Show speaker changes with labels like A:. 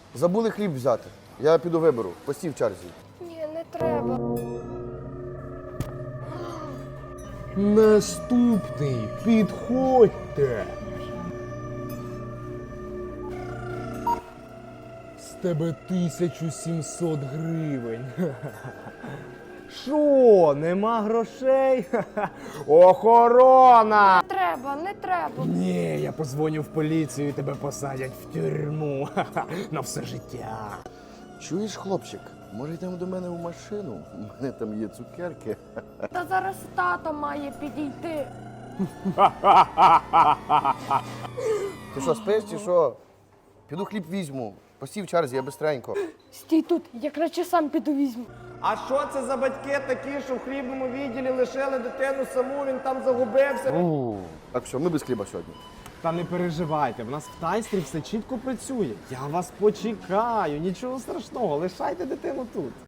A: Забули хліб взяти. Я піду виберу. Постій в черзі.
B: Ні, не треба.
C: Наступний, підходьте. З тебе 1700 гривень. Що, нема грошей? Охорона!
B: Не треба.
C: Ні, я позвоню в поліцію і тебе посадять в тюрму. На все життя.
A: Чуєш, хлопчик? Може йдемо до мене в машину? У мене там є цукерки.
B: Та зараз тато має підійти.
A: Ти що, спиш чи що? Піду хліб візьму. Постій в черзі, я бистренько.
B: Стій тут, я краще сам піду візьму.
D: А що це за батьки такі, що в хлібному відділі лишили дитину саму, він там загубився?
A: Так що, ми без хліба сьогодні.
C: Та не переживайте, в нас в тайстрі все чітко працює. Я вас почекаю, нічого страшного, лишайте дитину тут.